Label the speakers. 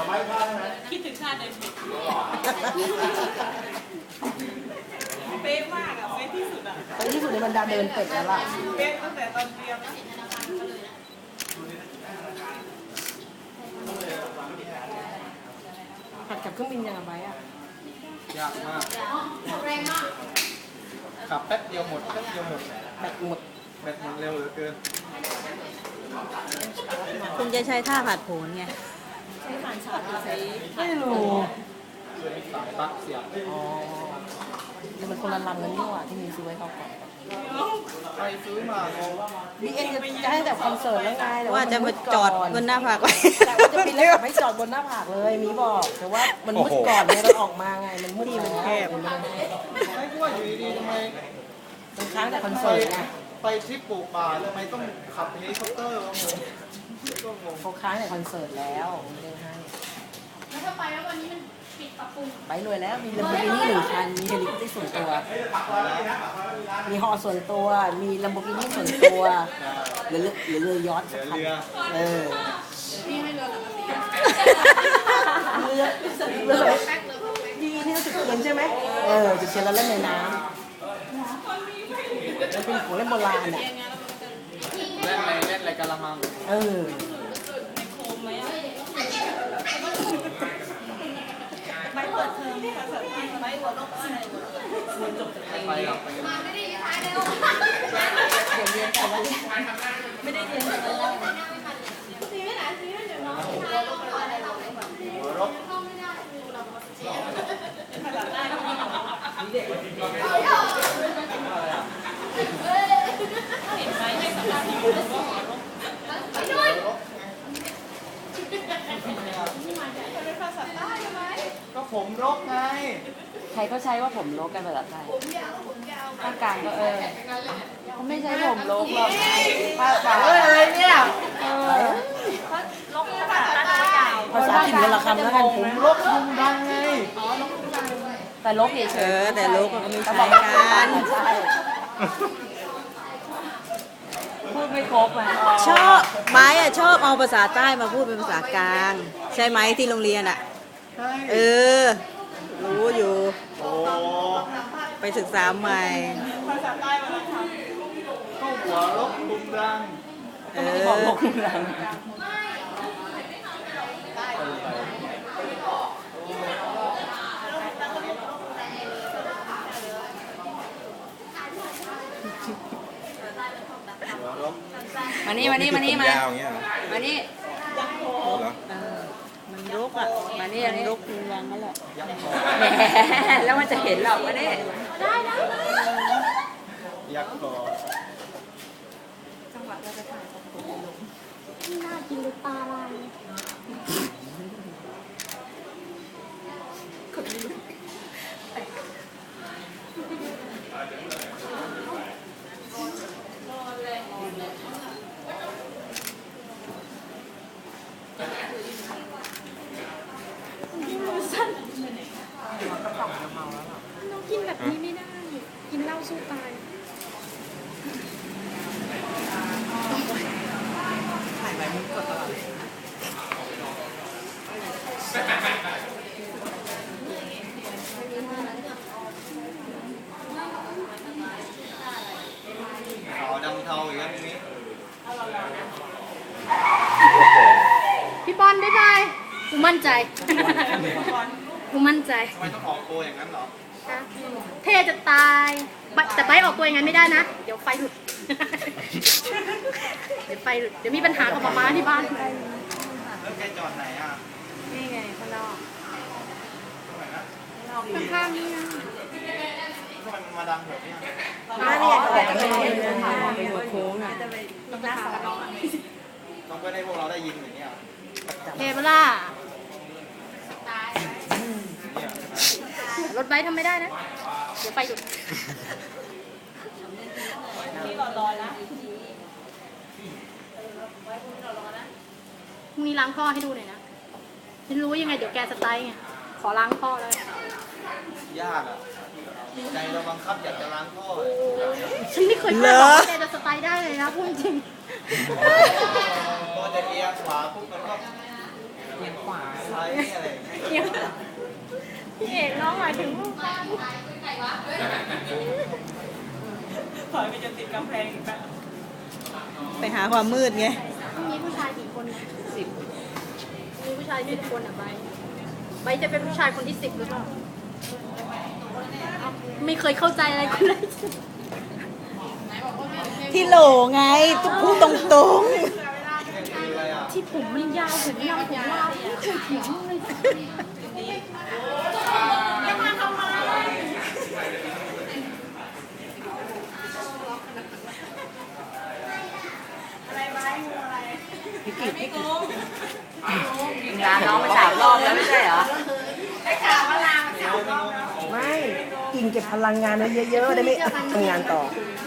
Speaker 1: คิดถึงชาติเดินผิดเป๊ะมากอ่ะเป๊ะที่สุดอ่ะ
Speaker 2: ไปที่สุดในบรรดาเดินเป็ดแล้วล่ะ
Speaker 1: เป๊ะตั้งแต่ตอนเรียนนะ
Speaker 2: ผัดกับเครื่องบินยังไงอ่ะ
Speaker 3: ยากมากขับแป๊บเดียวหมดแป๊บเดียวหมด
Speaker 2: แบตหมด
Speaker 3: แบตมันเร็วเหลือเกิน
Speaker 4: คุณจะใช้ท่าผัดโผนไง
Speaker 2: ไม่รู้
Speaker 3: สายปลั๊กเสียบ
Speaker 2: อ๋อนี่มันคนละลำกันนี่หว่าที่มีซื้อไว้เข้าก่อน
Speaker 3: ไปซื้อมางง
Speaker 2: บีเอ็นจะให้แต่คอนเสิร์ตแล้วไงแต่
Speaker 4: ว่าจะมาจอดบนหน้าผากไว้
Speaker 2: แต่ว่าจะปิดแล้วไม่จอดบนหน้าผากเลยมีบอกแต่ว่ามันมืดก่อนเนี่ยเราออกมาไงมันมืดมันแคบ
Speaker 3: ไม่ก็ว่าอยู่ดีๆทำไม
Speaker 2: มันค้างแต่คอน
Speaker 3: ไป
Speaker 2: เสิร์ตไง
Speaker 3: ไปทริปปลูกป่าทำไมต้องขับเฮลิคอปเตอร์วะงงก็งง
Speaker 2: เขาค้างแต่คอนเสิร์ตแล้วไม่ได้ให้
Speaker 5: แล้วถ้าไปแล้ววันนี้มันปิดปรับปรุง
Speaker 2: ไปรวยแล้วมีลัมโบกินี่1 คันมีเฮลิคอปเตอร์ส่วนตัว มีฮอส่วนตัวมีลัมโบกินี่ส่วนตัวหรือเรือยอชต์สักคัน
Speaker 3: เรือ
Speaker 2: เออ
Speaker 5: พี่ให้เรือหลังกระสี
Speaker 2: เรือดีที่เราจุดเทียนใช่ไหมจุดเทียนแล้วเล่นในน้ำมันเป็นของเล่นโบราณอ่ะ
Speaker 3: เล่นอะไรกะละมัง
Speaker 2: เออ
Speaker 1: ไปเปิดเทอมภาษาไทยไปหัวลบอะไร
Speaker 3: ไปหรอกไปกัน
Speaker 5: ไม่ได้ท้ายแล้ว
Speaker 2: เดี๋ยวเรียนแต่ว่า
Speaker 1: ไม่ได้เรียนเลย
Speaker 5: ซีไม่ไหนซีไม่เดี๋ยวน้องท้ายแล้วอะไรเราไม่แบบ
Speaker 3: หัวรบ
Speaker 5: เข้าไม่ได้ดูเราภาษา
Speaker 1: ภาษาใต้ก็มีเห็นไหมให้สัมภาษณ์ที่อยู่ก็หัวลบเป็นภาษาใต้ใช่ไหม
Speaker 3: ก็ผมรบไง
Speaker 2: ใครก็ใช้ว่าผมลกกันภาษาไทย
Speaker 5: ผมยาวผมยาว
Speaker 2: ภาคกลางก็เขาไม่ใช้ผมลกหรอกภาคกลางอะไรเนี่ย
Speaker 1: ลบภาษาใต้ก็ยาว
Speaker 2: ภาษาถิ่นวรรณคำแล้วกัน
Speaker 3: ผมรบลุงดังไง
Speaker 2: แต่ลกเฉย
Speaker 4: แต่ลูกก็มี
Speaker 2: แต่
Speaker 4: ใช้
Speaker 2: บอก
Speaker 4: กัน
Speaker 2: ใช่พูดไม่ครบอ่ะ
Speaker 4: ชอบไม้อะชอบเอาภาษาใต้มาพูดเป็นภาษากลาง ใช่ไหมที่โรงเรียนอะ
Speaker 3: ใช่
Speaker 4: เออ รู้อยู่
Speaker 3: โอ้
Speaker 4: ไปศึกษาใหม่
Speaker 1: ภาษาใต้มันท
Speaker 3: ก็หัวรบลุงดัง
Speaker 4: เอ
Speaker 2: บอก
Speaker 4: อ
Speaker 2: ลกเมือง
Speaker 3: หัวรบ
Speaker 4: มานี่มานี่มานี่มา
Speaker 6: ยาวอย่างเงี้ยเหรอ
Speaker 4: มานี่
Speaker 6: เหรอ
Speaker 4: เออมันรุกอ่ะมานี่อันนี้รุกรังนั่นแหละ
Speaker 3: ยักษ์คอ
Speaker 4: แหมแล้วมันจะเห็นหรอกมานี่
Speaker 3: ยักษ์คอ
Speaker 5: น่ากินหรือปลาลายน้องกินแบบนี้ไม่ได้ กินเหล้าสู้ตาย
Speaker 3: ขาวดำเทาอย่างเงี้ยนี้
Speaker 5: พี่บอลบ๊ายบายกูมั่นใจ กูมั่นใจ
Speaker 3: ทำไมต้องออกตัวอย่างนั้นเหรอ
Speaker 5: เท่จะตายแต่ไปออกตัวอย่างนั้นไม่ได้นะ เดี๋ยวไฟหลุด เดี๋ยวไฟหลุด เดี๋ยวมีปัญหากับมาม่าที่บ้าน
Speaker 3: แล้วแกจอดไหนอ่ะ
Speaker 5: นี่ไงข้างนอก
Speaker 3: ตรงไหนนะ
Speaker 5: ข้างๆนี่นะ
Speaker 3: ทำไมมันมาดังแบบเนี้ย
Speaker 2: มาเนี่ยแต่ก็ไม่ได้เป็นหัวโค้งอ่ะ
Speaker 3: ต้องเพื่อให้พวกเราได้ยินอย่างเงี้ย
Speaker 5: เทเบล่า
Speaker 3: เนี่ย
Speaker 5: รถไบค์ทำไม่ได้นะ เดี๋ยวไฟหลุด
Speaker 1: ำที่รอๆนะ
Speaker 5: พรุ่งนี้ล้างท่อให้ดูหน่อยนะไม่รู้ยังไงเดี๋ยวแกสไตล์ไง ขอล้างท่อเลย
Speaker 3: ยากอ่ะใจเราบังคับอยากจะล้างท่อ
Speaker 5: ฉันไม่เคยคาดหวังว่าแกจะสไตล์ได้เลยนะพูดจริง
Speaker 3: พอจะเอียงขวาปุ๊บมันก็ใช้อะไรอย่างเงี้ย
Speaker 5: พี่เอกน้องหมายถึงลูกบ้าน
Speaker 1: ถอยไปจนติดกำแพงอีกแล้ว
Speaker 4: ไปหาความมืดไง
Speaker 5: มีผู้ชายกี่คน10มีผู้ชาย10คนอ่ะใบจะเป็นผู้ชายคนที่10หรือเปล่าไม่เคยเข้าใจอะไรกันเลย
Speaker 4: ที่โหลไงต้องพูดตรง
Speaker 3: อะไรอ่ะ
Speaker 5: ที่ผมมันยาวถึงยาวผมยาวไม่เคยเถียงเลย
Speaker 2: พี่กิจงานน้องไป3 รอบแล้วไม่ใช่เหรอ ไม่ กินเก็บพลังงานไว้เยอะๆ ได้ไม่ทำงานต่อ
Speaker 5: เ